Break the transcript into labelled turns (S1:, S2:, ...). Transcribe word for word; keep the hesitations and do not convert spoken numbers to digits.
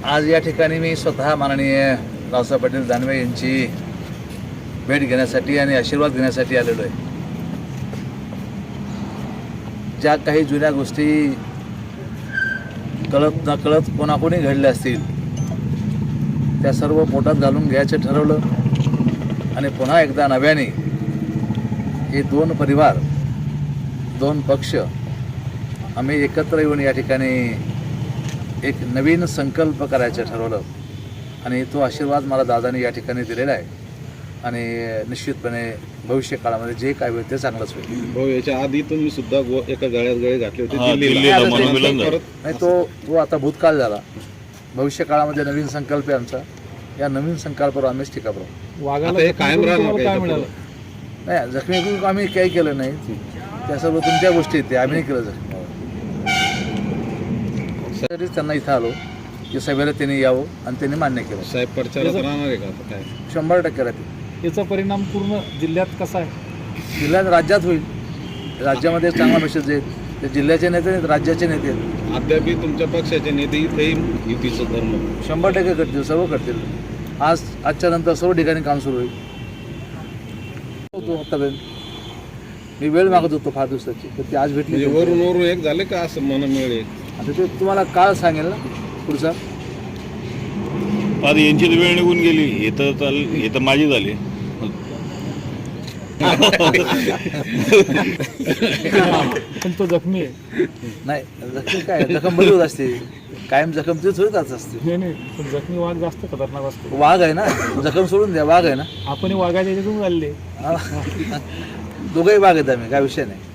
S1: आज या ठिकाणी मी स्वतः माननीय रावसाहेब पाटील दानवे यांची भेट घेण्यासाठी आणि आशीर्वाद घेण्यासाठी आलेलो आहे. ज्या काही जुन्या गोष्टी कळत नकळत कोणाकोणी घडल्या असतील त्या सर्व पोटात घालून घ्यायचं ठरवलं आणि पुन्हा एकदा नव्याने हे दोन परिवार दोन पक्ष आम्ही एकत्र येऊन या ठिकाणी एक नवीन संकल्प करायचं ठरवलं आणि तो आशीर्वाद मला दादाने या ठिकाणी दिलेला आहे आणि निश्चितपणे भविष्य काळामध्ये जे काय होईल ते चांगलंच होईल.
S2: हो, याच्या आधी तुम्ही सुद्धा एका गळ्यात गळे घातले होते
S1: नाही, तो तो आता भूतकाळ झाला. भविष्य काळामध्ये नवीन संकल्प आहे आमचा. या नवीन संकल्पावर आम्हीच टीका करू.
S2: वाघाला कायम राहणार
S1: नाही, जखमी आम्ही काही केलं नाही. त्या सर्व तुमच्या गोष्टी आहेत, ते आम्ही नाही केलं जखमी. तरी त्यांना इथं आलो की सभेला त्यांनी यावं आणि त्यांनी मान्य केलं.
S2: साहेब प्रचारात राहणार आहे का काय?
S1: शंभर टक्के राहतील.
S3: याचा परिणाम पूर्ण जिल्ह्यात कसा आहे?
S1: जिल्ह्यात राज्यात होईल. राज्यामध्ये चांगला मेसेज येईल. ते जिल्ह्याचे नेते नाहीत, राज्याचे नेते आहेत.
S2: अद्याप तुमच्या पक्षाचे नेते इथेही युतीचं धर्म
S1: शंभर टक्के करतील, सर्व करतील. आज आजच्या नंतर सर्व ठिकाणी काम सुरू होईल. आतापर्यंत मी वेळ मागत होतो फार दिवसाची, तर ती आज भेटली.
S2: वरून वरून एक झाले का असं मन मिळेल?
S1: आता ते तुम्हाला काळ सांगेल ना पुढचा.
S4: आता यांची तर वेळ निघून गेली. हे तर चाल हे तर माझी झाली.
S3: पण तो जखमी आहे.
S1: नाही, जखमी काय, जखम बरी होत असते. कायम जखम तेच होत असते.
S3: नाही नाही, पण जखमी वाघ जास्त खतरनाक असतो.
S1: वाघ आहे ना, जखम सोडून द्या. वाघ आहे ना,
S3: आपण वाघाच्या याच्यातून चालले.
S1: दोघंही वाघ आहेत आम्ही, काय विषय नाही.